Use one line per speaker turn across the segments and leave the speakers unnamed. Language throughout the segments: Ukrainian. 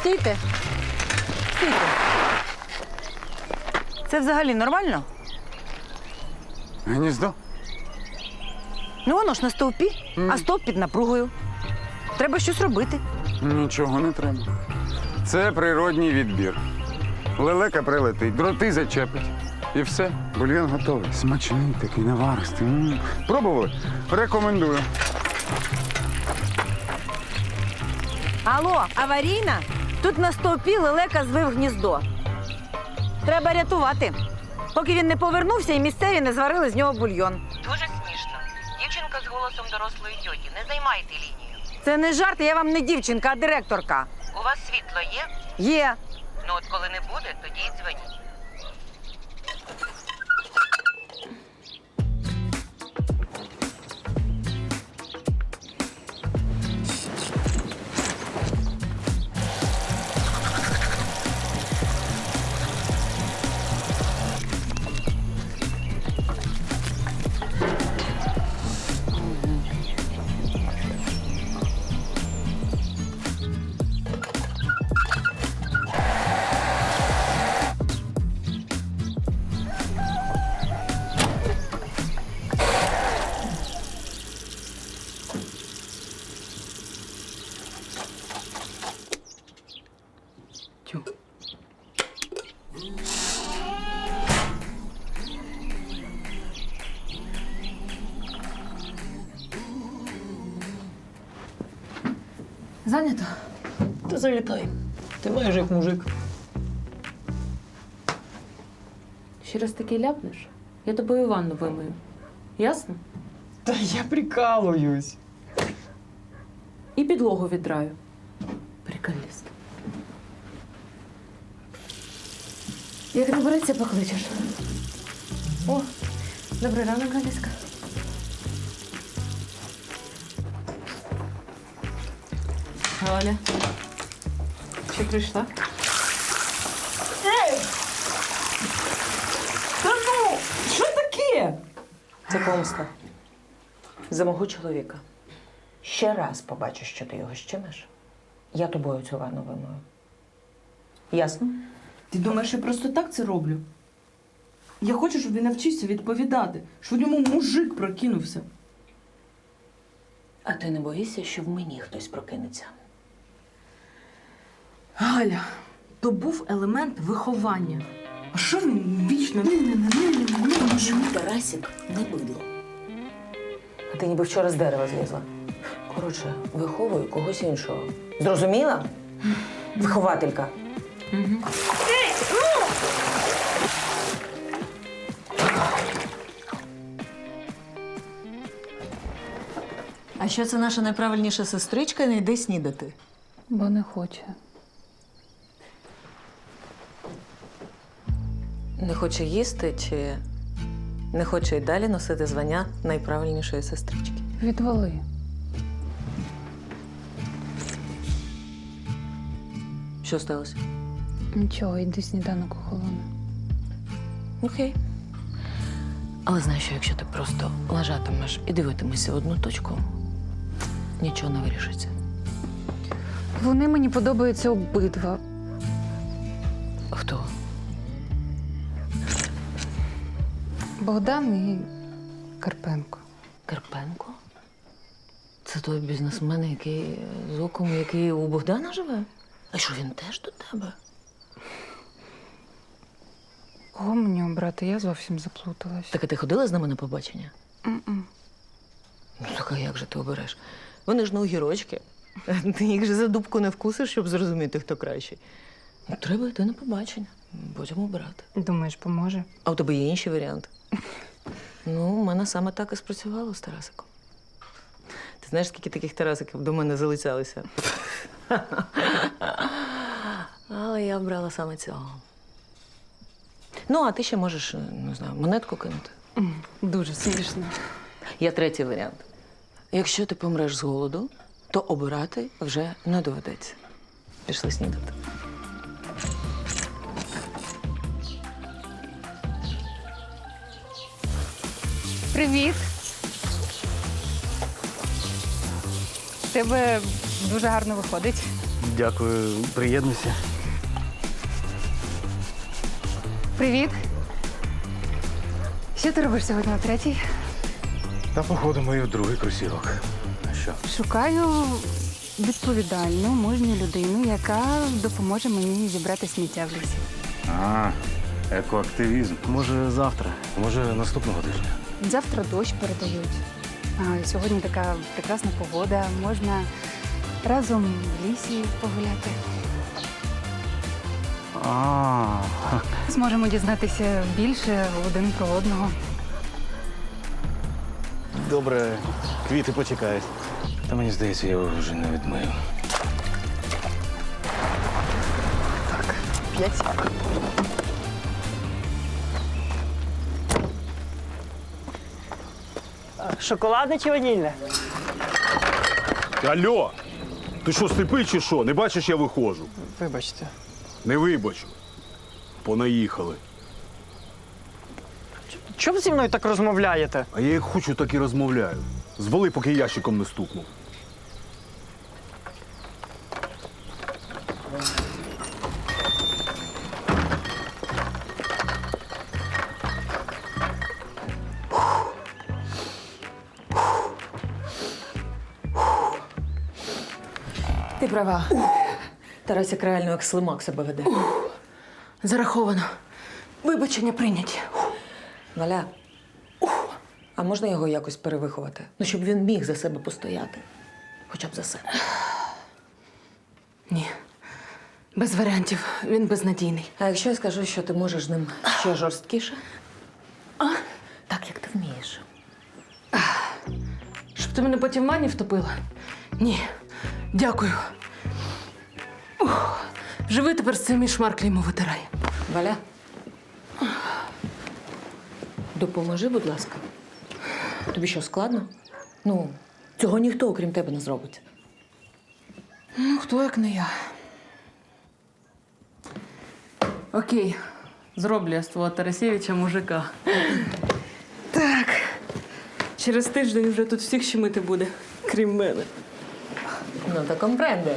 Стійте. Стійте. Це взагалі нормально?
Гніздо?
Ну воно ж на стовпі, а стовп під напругою. Треба щось робити.
Нічого не треба. Це природній відбір. Лелека прилетить, дроти зачепить. І все, бульйон готовий. Смачний такий, наваристий. Пробували? Рекомендую.
Алло, аварійна? Тут на стовпі лелека звив гніздо. Треба рятувати, поки він не повернувся і місцеві не зварили з нього бульйон.
Дуже смішно. Дівчинка з голосом дорослої тьоті. Не займайте лінію.
Це не жарт, я вам не дівчинка, а директорка.
У вас світло є?
Є.
Ну от коли не буде, тоді й дзвоніть.
Зайнято?
Та залітай. Ти маєш як мужик.
Ще раз таки ляпнеш, я тобою ванну вимию. Ясно?
Та я прикалуюсь.
І підлогу віддраю. Приколіст. Як набереться, покличеш. О, добрий ранок, Галіска. Галя, чи прийшла?
Та ну! Що таке?
Це помста. За мого чоловіка. Ще раз побачу, що ти його щемиш, я тобою цю ванну вимою. Ясно?
Ти думаєш, я просто так це роблю? Я хочу, щоб він навчився відповідати, щоб у ньому мужик прокинувся.
А ти не боїшся, що в мені хтось прокинеться?
Галя, то був елемент виховання. А що він вічно?
Тарасик не бидло. А ти ніби вчора з дерева злізла. Коротше, виховую когось іншого. Зрозуміла? Вихователька.
А що це наша найправильніша сестричка не йде снідати?
Бо не хоче.
Не хоче їсти чи не хоче й далі носити звання найправильнішої сестрички?
Відвали.
Що сталося?
Нічого, йди сніданок охолоне.
Окей. Але знаєш, що якщо ти просто лежатимеш і дивитимешся в одну точку, нічого не вирішиться.
Вони мені подобаються обидва.
Хто?
Богдан і Карпенко.
Карпенко? Це той бізнесмен, який з оком, який у Богдана живе? А що, він теж до тебе?
Кого мені обрати? Я зовсім заплуталась.
Так а ти ходила з ними на побачення?
М-м.
Ну, так а як же ти обереш? Вони ж не огірочки. Ти їх же за дубку не вкусиш, щоб зрозуміти, хто кращий. Ну, треба йти на побачення, потім обирати.
Думаєш, поможе?
А у тебе є інші варіанти? Ну, у мене саме так і спрацювало з Тарасиком. Ти знаєш, скільки таких Тарасиків до мене залицялися? Але я обрала саме цього. Ну, а ти ще можеш, не знаю, монетку кинути.
Дуже смішно.
Є третій варіант. Якщо ти помреш з голоду, то обирати вже не доведеться. Пішли снідати.
Привіт! В тебе дуже гарно виходить.
Дякую, приєднуйся.
Привіт. Що ти робиш сьогодні о 3-й?
Та походу мою другий кросівок. А що?
Шукаю відповідальну, мужню людину, яка допоможе мені зібрати сміття в лісі.
А, екоактивізм.
Може завтра, може наступного тижня.
Завтра дощ передають. А сьогодні така прекрасна погода. Можна разом в лісі погуляти.
А,
Зможемо дізнатися більше один про одного.
добре, квіти почекають. Та мені здається, я його вже не відмию. Так, 5.
Шоколадне чи ванільне?
Алло! Ти що, сліпий чи що? Не бачиш, я виходжу.
Вибачте.
Не вибачу. Понаїхали.
Чому зі мною так розмовляєте?
А я як хочу, так і розмовляю. Звали, поки ящиком не стукнув.
Ти права. Тарасик реально як слимак себе веде.
Зараховано. Вибачення прийняті.
Валя, а можна його якось перевиховати? Ну, щоб він міг за себе постояти. Хоча б за себе.
Ні. Без варіантів. Він безнадійний.
А якщо я скажу, що ти можеш з ним ще жорсткіше? Так, як ти вмієш.
Щоб ти мене потім в ванні втопила? Ні. Дякую. Живи тепер з цим і шмарклі йому витирай.
Валя, допоможи, будь ласка. Тобі що, складно? Ну, цього ніхто, окрім тебе, не зробить.
Ну, хто як не я. Окей. Зроблю я з твого Тарасєвича мужика. Так. Через тиждень вже тут всіх щемити буде, крім мене.
Ну, та компренде.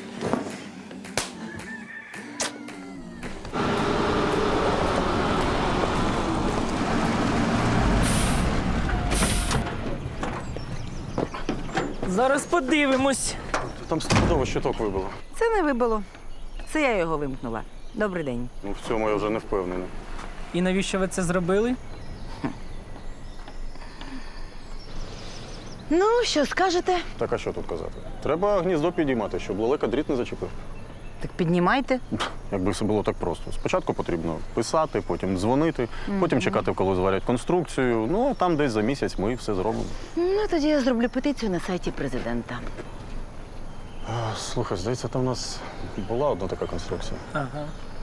Зараз подивимось.
Там стопудово щиток вибило.
Це не вибило. Це я його вимкнула. Добрий день.
Ну, в цьому я вже не впевнений.
І навіщо ви це зробили?
Ну, що скажете?
Так, а що тут казати? Треба гніздо підіймати, щоб лелека дріт не зачепив.
Так піднімайте.
Якби все було так просто. Спочатку потрібно писати, потім дзвонити, потім чекати, коли зварять конструкцію. Ну, а там десь за місяць ми все зробимо.
Ну, тоді я зроблю петицію на сайті президента.
Слухай, здається, там у нас була одна така конструкція.
Ага.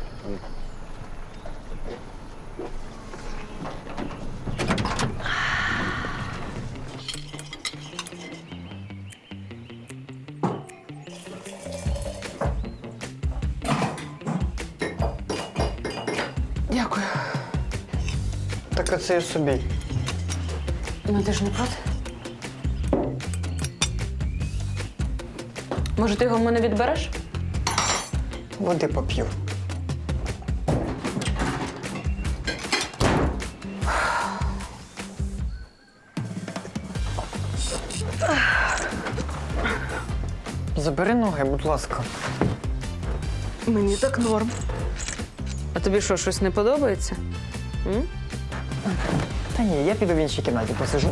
Дякую.
Так оце ж собі.
Ну, ти ж не проти? Може, ти його в мене відбереш?
Води поп'ю. Забери ноги, будь ласка.
Мені так норм. А тобі що, щось не подобається?
Та ні, я піду в іншій кімнаті посижу.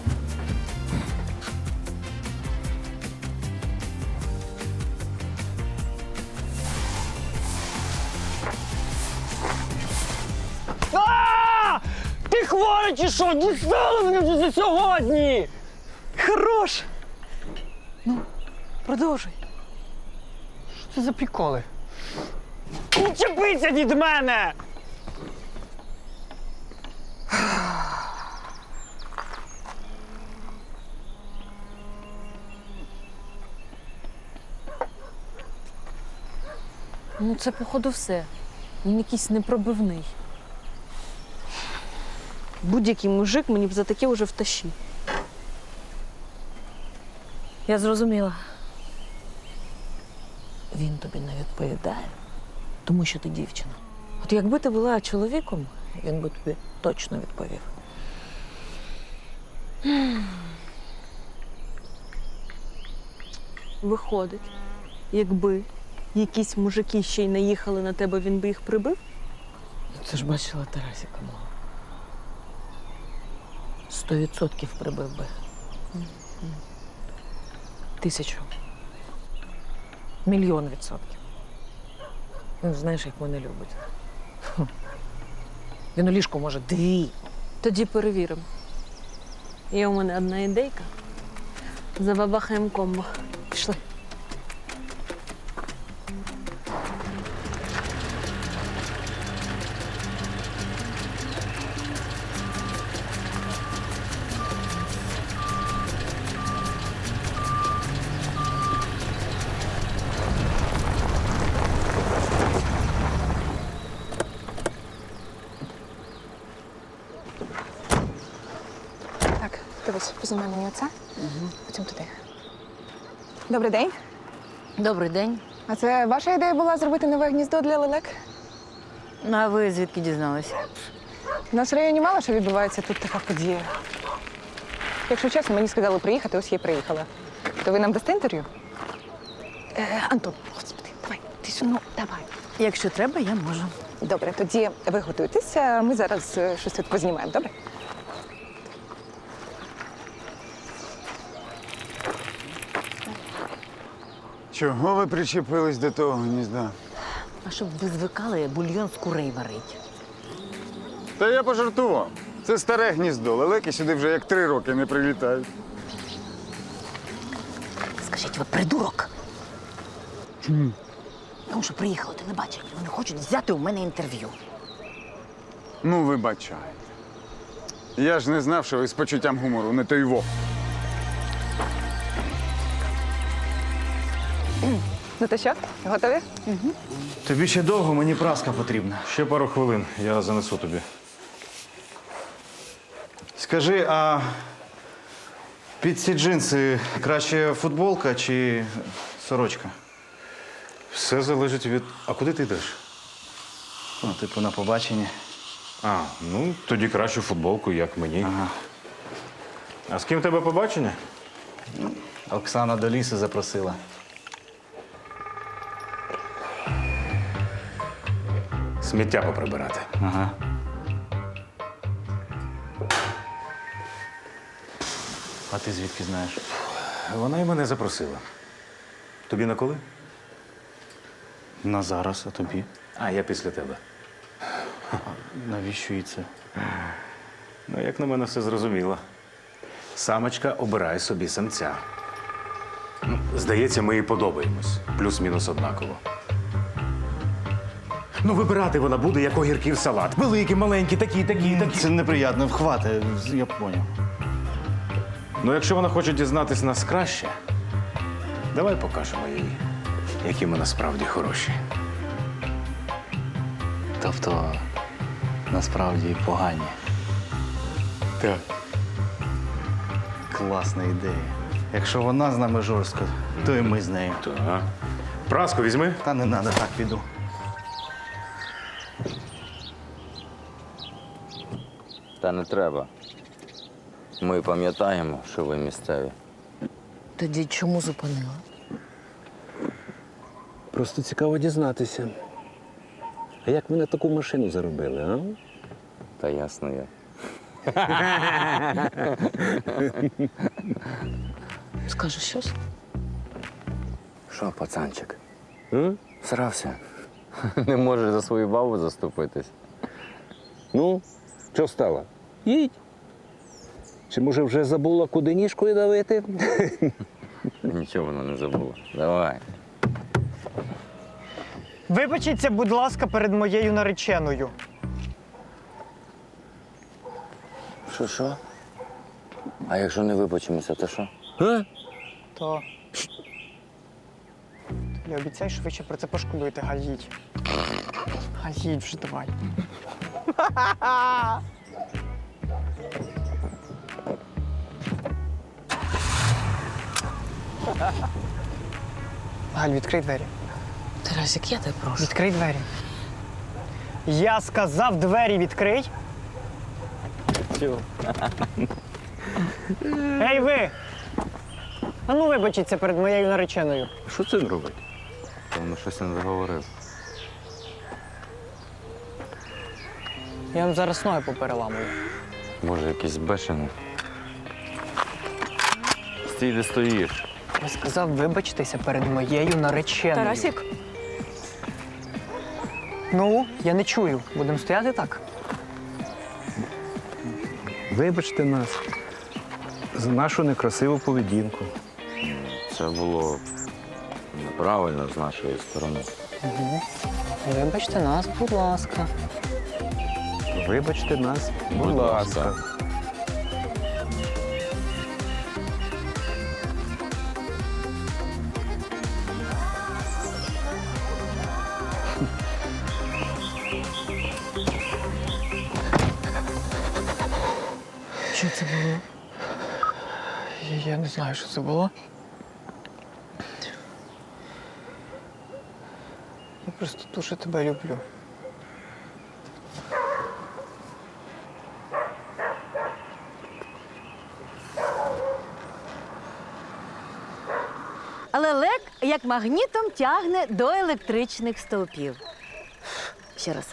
Ти хворий чи що? Дістали мене вже за сьогодні! Хорош! Ну, продовжуй. Що це за приколи? Відчепися від мене!
Ну, це, походу, все. Він якийсь непробивний. Будь-який мужик мені б за таке вже втащив.
Я зрозуміла. Він тобі не відповідає, тому що ти дівчина. От якби ти була чоловіком, він би тобі точно відповів.
Виходить, якби якісь мужики ще й наїхали на тебе, він би їх прибив?
Це ж бачила Тарасіка мого. 100% прибив би. 1000. 1,000,000%. Він знаєш, як мене любить. Фу. Він у ліжку може 2.
Тоді перевіримо. Є у мене одна ідейка. Забабахаємо комбо. Пішли.
Так, дивись, познімай мені оце, потім туди. Добрий день.
Добрий день.
А це ваша ідея була зробити нове гніздо для лелек?
А ви звідки дізналися?
У нас в районі мало що відбувається тут така подія. Якщо чесно, мені сказали приїхати, ось я і приїхала. То ви нам дасте інтерв'ю? Антон, господи, давай, ти сюди, ну, давай.
Якщо треба, я можу.
Добре, тоді ви готуйтеся, ми зараз щось тут познімаємо, добре?
Чого ви причепились до того гнізда?
А щоб ви звикали бульйон з курей варить.
Та я пожартував. Це старе гніздо. Лелеки сюди вже як 3 роки не прилітають.
Скажіть, ви придурок?
Чому?
Тому що приїхали телебачення. Вони хочуть взяти у мене інтерв'ю.
Ну, вибачайте. Я ж не знав, що ви з почуттям гумору, не той во.
Ну то що, готові?
Тобі ще довго, мені праска потрібна.
Ще пару хвилин, я занесу тобі.
Скажи, а під ці джинси краще футболка чи сорочка?
Все залежить від. А куди ти йдеш?
Ну, типу, на побачення.
А, ну тоді кращу футболку, як мені.
Ага.
А з ким в тебе побачення?
Оксана до лісу запросила.
Сміття поприбирати.
Ага. А ти звідки знаєш?
Вона і мене запросила. Тобі на коли?
На зараз, а тобі?
А, я після тебе.
Навіщо їй це?
Ну, як на мене, все зрозуміло. Самочка обирає собі самця. Ну, здається, ми їй подобаємось. Плюс-мінус однаково. Ну, вибирати вона буде, як огірків салат. Великі, маленькі, такі.
Це неприємно, вхвати, я поняв.
Ну, якщо вона хоче дізнатись нас краще, давай покажемо їй, які ми насправді хороші.
Тобто, насправді погані.
Так.
Класна ідея. Якщо вона з нами жорстко, то і ми з нею.
Так. Праску візьми.
Та не треба, так піду.
Та не треба. Ми пам'ятаємо, що ви місцеві.
Тоді чому зупинила?
Просто цікаво дізнатися. А як ви на таку машину заробили, а?
Та ясно я.
Скажеш щось?
Що, пацанчик? Срався? Не можеш за свою бабу заступитись?
Ну, що стало? Їдь. Чи, може, вже забула, куди ніжкою давити?
Нічого вона не забула. Давай.
Вибачіться, будь ласка, перед моєю нареченою.
Що? А якщо не вибачимося, то що?
То. Я обіцяю, що ви ще про це пошкодуєте, Галь, їдь. Галь, їдь вже, давай. Галь, відкрий двері.
Тарасик, я тебе прошу.
Відкрий двері. Я сказав, двері відкрий. Ей ви! А ну вибачіться перед моєю нареченою.
Що це він робить? Певно, щось не договорив.
Я вам зараз ноги попереламую.
Може, якийсь бешений. Стій, де стоїш.
Я сказав вибачтеся перед моєю нареченою.
Тарасік,
Ну, я не чую. Будемо стояти так?
Вибачте нас за нашу некрасиву поведінку.
Це було неправильно з нашої сторони.
Вибачте нас, будь ласка.
Вибачте нас, будь ласка.
Що це було?
Я не знаю, що це було. Я просто дуже тебе люблю.
Але лек як магнітом тягне до електричних стовпів. Ще раз.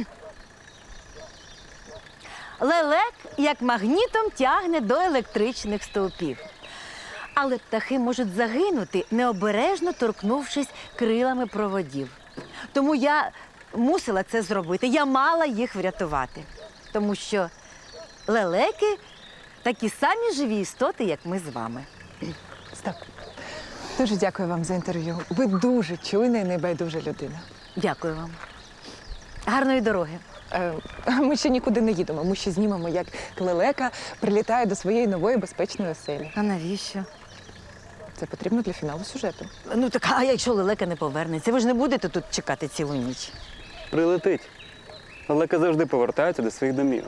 Лелек як магнітом тягне до електричних стовпів. Але птахи можуть загинути, необережно торкнувшись крилами проводів. Тому я мусила це зробити. Я мала їх врятувати. Тому що лелеки такі самі живі істоти, як ми з вами.
стоп. Дуже дякую вам за інтерв'ю. Ви дуже чуйна і небайдужа людина.
Дякую вам. Гарної дороги.
Ми ще нікуди не їдемо. Ми ще знімемо, як лелека прилітає до своєї нової безпечної оселі.
А навіщо?
Це потрібно для фіналу сюжету.
Ну так, а якщо лелека не повернеться? Ви ж не будете тут чекати цілу ніч.
Прилетить. Лелека завжди повертається до своїх домівок.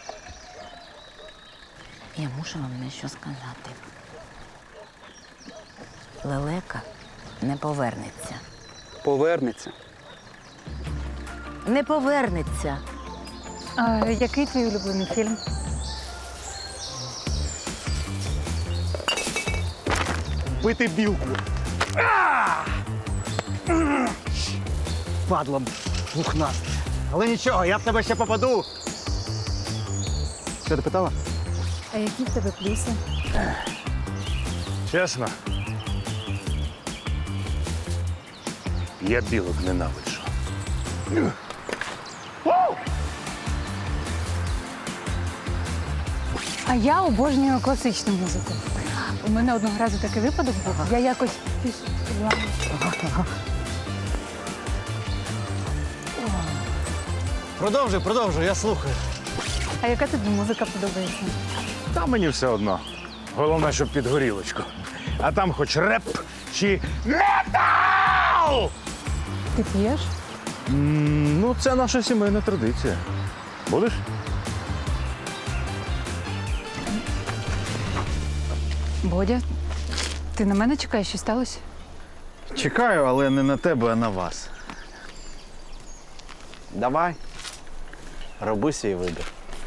Я мушу вам дещо сказати. Лелека не повернеться.
Повернеться.
Не повернеться.
А який твій улюблений фільм?
Бити білку.
Падло пухнасте. Але нічого, я в тебе ще попаду.
Що ти питала?
А які в тебе плюси?
Чесно, я білок ненавиджу.
А я обожнюю класичну музику. У мене одного разу такий випадок був. Я якось пішла.
Продовжуй, я слухаю.
А яка тобі музика подобається?
Та мені все одно. Головне, щоб під горілочку. А там хоч реп чи метал!
Ти п'єш?
Ну, це наша сімейна традиція. Будеш?
Бодя, ти на мене чекаєш, що сталося?
Чекаю, але не на тебе, а на вас.
Давай. Роби свій вибір.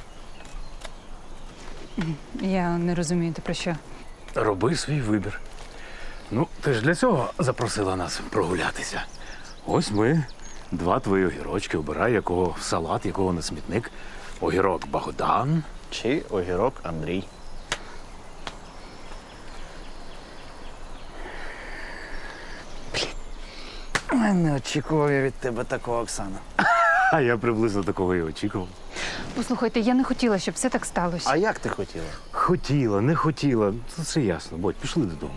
Я не розумію, ти про що?
Роби свій вибір. Ну, ти ж для цього запросила нас прогулятися. Ось ми, два твої огірочки. Обирай, якого в салат, якого на смітник. Огірок Богдан.
Чи огірок Андрій.
Не очікував я від тебе такого, Оксана.
А я приблизно такого і очікував.
Послухайте, я не хотіла, щоб все так сталося.
А як ти хотіла?
Хотіла, не хотіла. Це все ясно. Бодь, пішли додому.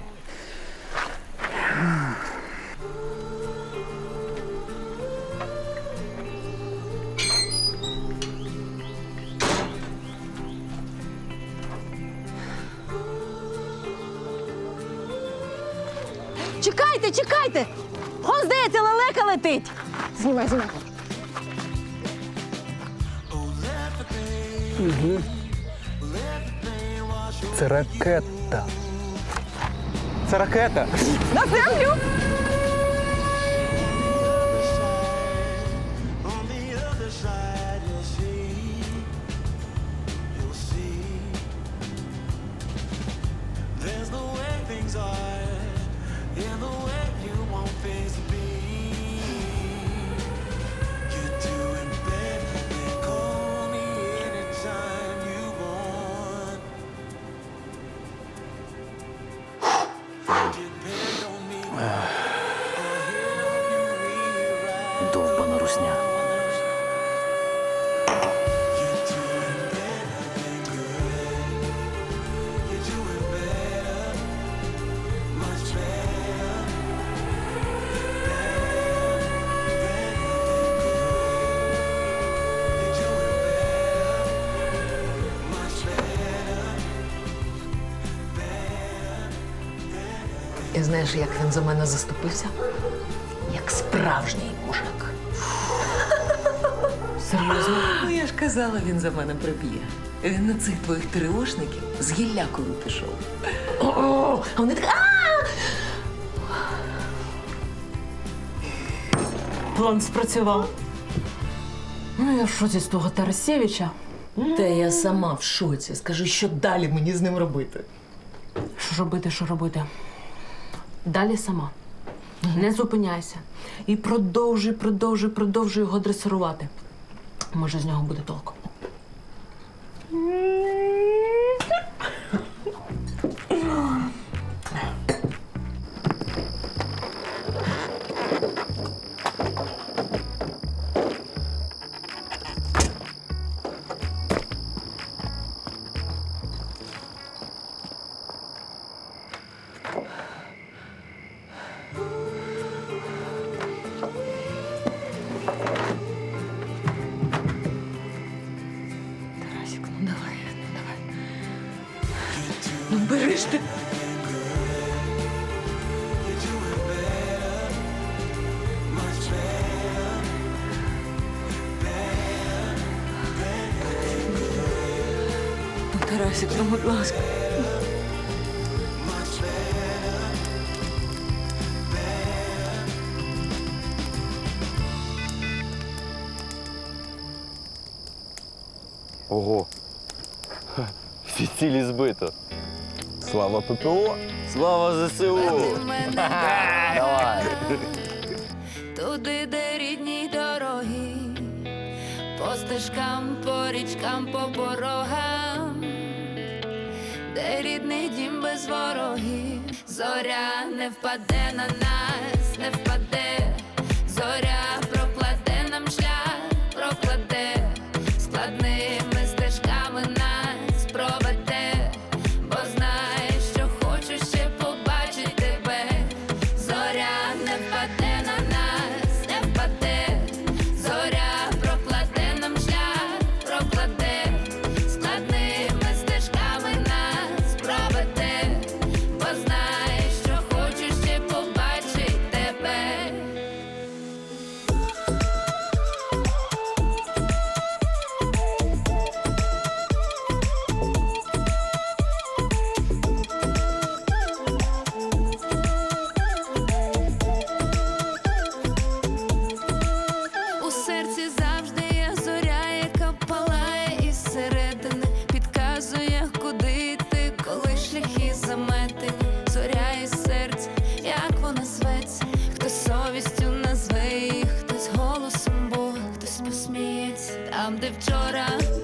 Чекайте, чекайте! Он, здається, лелека летить.
Знімай.
Угу. Це ракета.
Це ракета.
На землю!
І знаєш, як він за мене заступився? Як справжній мужик.
Серйозно?
Ну, я ж казала, він за мене приб'є. Він на цих твоїх тривошників з гіллякою пішов. О, а вони так.
План спрацював. Ну, я в шоці з того Тарасєвича.
Та я сама в шоці. Скажи, що далі мені з ним робити?
Що робити? Далі сама. Не зупиняйся. І продовжуй його дресирувати. Може, з нього буде толку.
Тарасик, ну давай. Ну бери ж ти. Ну, Тарасик, ну, будь ласка.
Ого. Всі цілі збито. Слава ППО! Слава ЗСУ! Давай!
Туди, де рідні дороги, по стежкам, по річкам, по порогам, де рідний дім без ворогів. Зоря не впаде на нас, не впаде. Зоря прокладе нам шлях, прокладе. Складними стежками нас проведе. Бо знає, що хочу ще побачить тебе. Зоря не впаде на нас, не впаде. Зоря прокладе нам шлях, прокладе. Складними стежками нас проведе. Бо знає, що хочу ще побачить тебе. У серці завжди є зоря, яка палає із середини, підказує, куди йти, коли шляхи заметені. Зоря із серця, як вона зветься, хтось совістю назве її, хтось голосом Бога, хтось посміється. Там, де вчора